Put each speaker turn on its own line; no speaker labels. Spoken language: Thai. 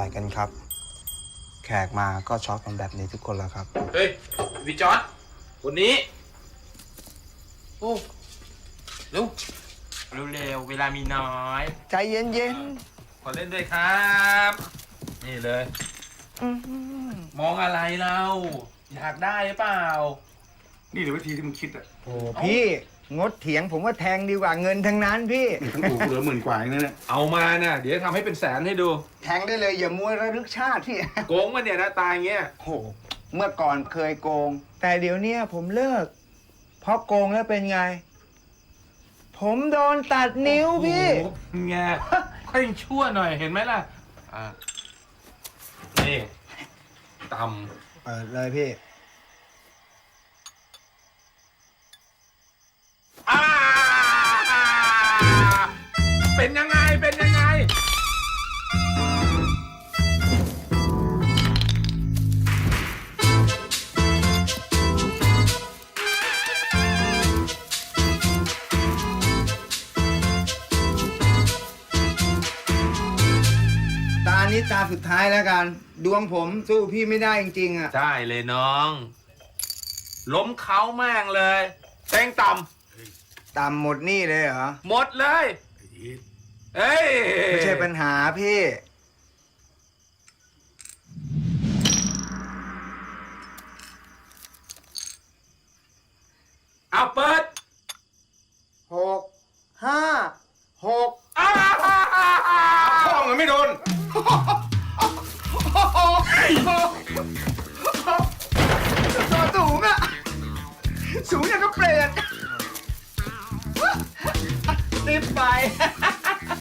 กันครับ แขกมาก็ช็อตกันแบบนี้ทุกคนแล้วครับ
เฮ้ยวิจอร์ดคนนี้โอ้เร็วเร็วเวลามีน้อย
ใจเย็น
ขอเล่นด้วยครับนี่เลยมองอะไรเราอยากได้หรือเปล่า
นี่หรือวิธีที่มึงคิดอ่ะ
โอ้พี่งดเถียงผมว่าแทงดีกว่าเงินทั้งนั้นพี่
ทั้งอู่เหลือ10,000 กว่าเองนะเนี่ย
เอามาน่ะเดี๋ยวทำให้เป็นแสนให้ดู
แทงได้เลยอย่ามัวระลึกชาติพี่
โกงมันเนี่ยนะตายเงี้ย
โอ้เมื่อก่อนเคยโกง แต่เดี๋ยวเนี้ยผมเลิก เพราะโกงแล้วเป็นไง ผมโดนตัดนิ้วพี่
โอ้โหไงค่อยชั่วหน่อยเห็นไหมล่ะนี่ต
เปิดเลยพี่
เป็นยังไงเป็นยังไง
ตานี้ตาสุดท้ายแล้วกัน ดวงผมสู้พี่ไม่ได้จริงๆอ่ะ
ได้เลยน้อง ล้มเขาแม่งเลยเต็งต่
ต่ำหมดหนี่เลยเหรอ
ำหมดเลยเอ้ย
ไม่ใช่ปัญหาพี่
เอาเปิด
6 5 6
พ่อมึงไม่โดน
ตัวสูงอ่ะ สูงอย่างกับเปรตติดไป